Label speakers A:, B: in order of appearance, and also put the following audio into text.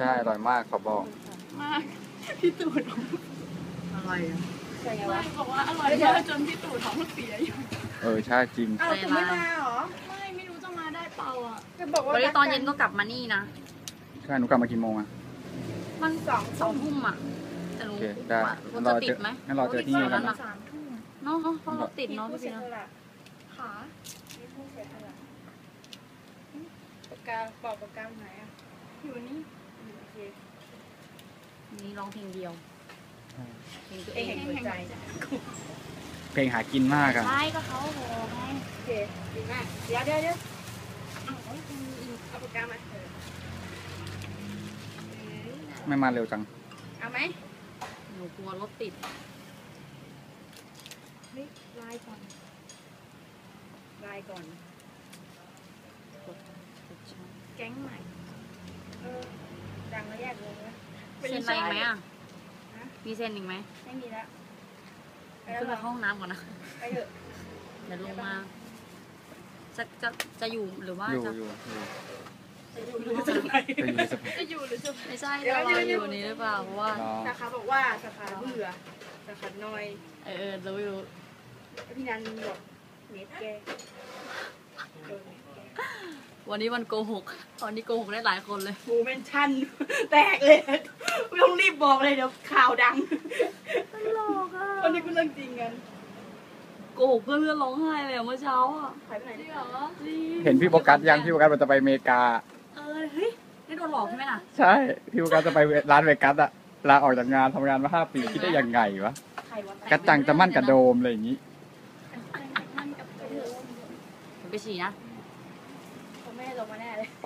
A: ช่อร่อยมากขอบอก
B: มากพี่ตู่ท้องอะไรอ่ะไม่บอกว่าอร่อยมากจนพี่ตู่ท้องเสียอยู่
A: ใช่จริง
C: อ้าวคุณไม่มาเหรอ
B: ไม่รู้จะมาได้เปล่าอ่ะ
C: จะบอกว่า
D: วันนี้ตอนเย็นก็กลับมานี่นะ
A: ใช่หนูกลับมากี่โมงอ่ะ
D: มันสองทุ่มอ่ะแต่รู้
A: ได้
D: รถจะติดไหม
A: งั้นเราเจอที่นี่กันนะ
D: เนาะเพราะรถติดเนาะพี่นะ
B: ขา
C: ปากกาบอกปากกาไหนอ่ะ
B: อยู่นี่
C: โอเค
D: นี่ร้องเพลงเดียวเพลงตัวเอ
C: เอง
D: ง
C: หัวใจ
A: เพลงหากินมากอ่ะ
D: ใช่ก็เขาโหไง
C: โอเคดีมากเดี๋ยวเอาปากกามา
A: ไม่มาเร็วจัง
C: เอาไหม
D: หนูกลัวรถติด
C: เฮ้ยไลน์ก่อน
B: แก๊งใหม่
C: ดังแล้วแยกวงนะ
D: เซ็นอะไรอีกไหมอ่ะมีเซ็นอีกไหม
C: ไม่มีแล้ว
D: ขึ้นไปเข้าห้องน้ำก่อนนะ
C: ไปเถอะ
D: เดี๋ยวลงมาจะอยู่หรือว่า
A: อยู่
C: จะอยู่หรือจะไป
B: จะอยู่หรือจะ
D: ไม่ใช่เราอยู่นี้หรือเปล่าเพราะว่า
C: สาขาบอกว่าสาขาเบื่อสาขาน้อย
D: รู้
C: พี่นันบอกเน็ตแก
D: วันนี้วันโกหกตอนนี้โกหกได้หลายคนเลย
C: กูเมนชั่นแตกเลยไม่ต้องรีบบอกเลยเดี๋ยวข่าวดัง
D: ตลกอ่ะ
C: วันนี้กูเรื่องจริงกัน
D: โกหกเพื่อนร้องไห้เลยเมื่อเช้าอ่ะ
C: หายไปไหน
B: จริงเหรอ
A: เห็นพี่โฟกัสยังพี่โฟกัสมันจะไปอเมริกา
D: เฮ้ยนี่โดนหลอกใช่ไหมล่ะ
A: ใช่พี่โฟกัสจะไปร้านเวกัสอะลาออกจากงานทำงานมา5 ปีคิดได้ยังไงวะกระจังจะมั่นกระโดมอะไรอย่างนี้
D: ไปฉี่นะ
C: เขาไม่ได้ลงมาแน่เลย